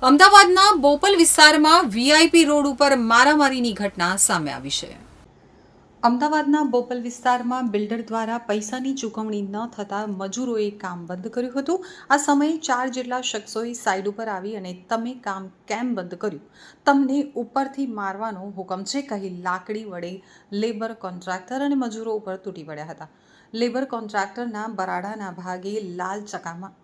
અમદાવાદના બોપલ વિસ્તારમાં VIP road ઉપર મારામારીની ઘટના સામે આવી છે. અમદાવાદના બોપલ વિસ્તારમાં બિલ્ડર દ્વારા પૈસાની ચૂકવણી ન થતાં મજૂરોએ કામ બંધ કર્યું હતું. આ સમયે 4 જેટલા શખ્સોએ સાઇડ ઉપર આવી અને તમે કામ કેમ બંધ કર્યું, તમને ઉપરથી મારવાનો હુકમ છે કહી લાકડી વડે લેબર કોન્ટ્રાક્ટર અને મજૂરો ઉપર તૂટી પડ્યા હતા. લેબર કોન્ટ્રાક્ટરના બરાડાના ભાગે લાલ ચકામાં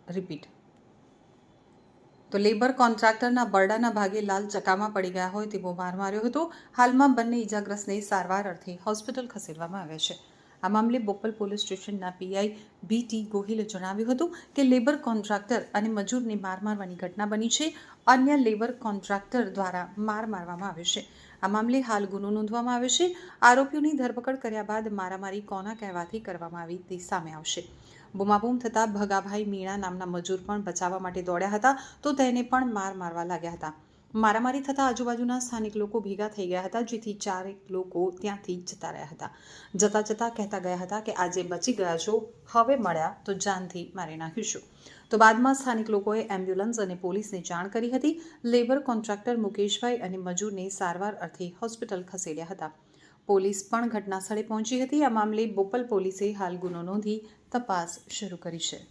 લેબર કોન્ટ્રાક્ટરના બરડાના ભાગે લાલ ચકામાં પડી ગયા હોય તેવો માર માર્યો હતો. હાલમાં બંને ઇજાગ્રસ્તને સારવાર અર્થે હોસ્પિટલ ખસેડવામાં આવ્યા છે. આ મામલે બોપલ પોલીસ સ્ટેશનના પીઆઈ BT ગોહિલે જણાવ્યું હતું કે લેબર કોન્ટ્રાક્ટર અને મજૂરને માર મારવાની ઘટના બની છે. અન્ય લેબર કોન્ટ્રાક્ટર દ્વારા માર મારવામાં આવ્યો છે. આ મામલે હાલ ગુનો નોંધવામાં આવ્યો છે. આરોપીઓની ધરપકડ કર્યા બાદ મારામારી કોના કહેવાથી કરવામાં આવી તે સામે આવશે. બૂમાબૂમ થતાં ભગાભાઈ મીણા નામના મજૂર પણ બચાવવા માટે દોડ્યા હતા તો તેને પણ માર મારવા લાગ્યા હતા. મારામારી થતાં આજુબાજુના સ્થાનિક લોકો ભેગા થઈ ગયા હતા, જેથી 4 લોકો ત્યાંથી જતા રહ્યા હતા. જતા જતા કહેતા ગયા હતા કે આજે બચી ગયા છો, હવે મળ્યા તો જાનથી મારી નાખીશું. તો બાદમાં સ્થાનિક લોકોએ એમ્બ્યુલન્સ અને પોલીસને જાણ કરી હતી. લેબર કોન્ટ્રાક્ટર મુકેશભાઈ અને મજૂરને સારવાર અર્થે હોસ્પિટલ ખસેડ્યા હતા. પોલીસ પણ ઘટના સ્થળે પહોંચી હતી. આ મામલે બોપલ પોલીસે હાલ ગુનો નોંધી તપાસ શરૂ કરી છે.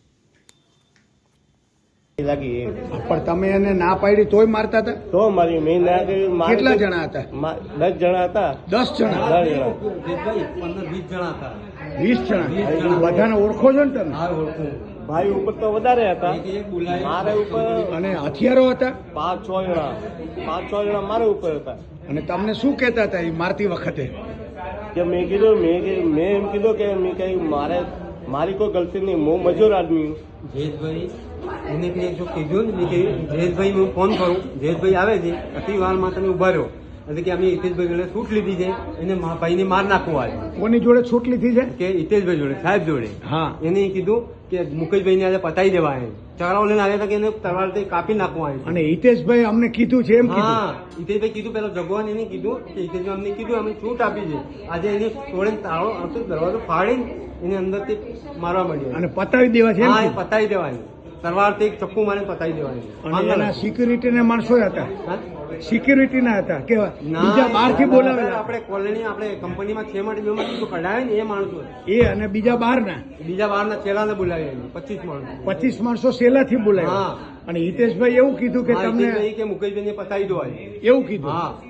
પણ તમે એને ના પાડી તોય મારતા હતા? તો મારી મેં ના કર્યું. કેટલા જણા હતા? 10 જણા હતા. 10 જણા? 20 જણા હતા. 20 જણા? બધાને ઓળખો છો ને તમે? ભાઈ ઉપર તો વધારે હતા, મારે ઉપર. અને હથિયારો હતા? 5-6 જણા મારે ઉપર હતા. અને તમને શું કહેતા હતા એ મારતી વખતે? કે મેં કીધું મેં એમ કીધું કે મેં કઈ મારી કોઈ ગલતી નહીં, હું મજૂર આદમી. જયેશભાઈ એને કંઈ જો કીધું ને, મેં કહ્યું જયેશભાઈ હું ફોન કરું, જયેશભાઈ આવે છે, આટલી વારમાં તમે ઉભા રહ્યો એટલે કે અમે હિતેશભાઈ જોડે છૂટ લીધી છે, એને ભાઈને માર નાખવું આવે. કોની જોડે છૂટ લીધી છે? કે હિતેશભાઈ જોડે, સાહેબ જોડે. હા. એને કીધું કે મુકેશભાઈને આજે પતાવી દેવા આવે, ચકરાઓ લઈને આવ્યા હતા કે એને તલવારથી કાપી નાખવું આવે. અને હિતેશભાઈ અમને કીધું છે એમ કીધું? હા, હિતેશભાઈ કીધું, પેલા જગવાન એને કીધું કે હિતેશભાઈ અમને કીધું અમે છૂટ આપી છે. આજે એને તોડે તાળો આવતો દરવાજો ફાડીને એને અંદરથી મારવા માંડ્યો અને પતાવી દેવા છે? હા, એ પતાવી દેવાની, તલવારથી એક ચપ્પુ મારીને પતાવી દેવાની. અને એના સિક્યુરિટીના માણસો હતા? સિક્યુરિટીના હતા કે બીજા બહારથી બોલાવેલા? આપણે કોલોની આપણે કંપનીમાં 6 માટે 2 માટે કઢાવે ને એ માણસો. એ અને બીજા બહારના છેલ્લાને બોલાવ્યા 25 માણસો. 25 માણસો સેલાથી બોલાવ્યા. અને હિતેશભાઈ એવું કીધું કે તમને કે મુકેશભાઈને પતાવી દો એવું કીધું? હા.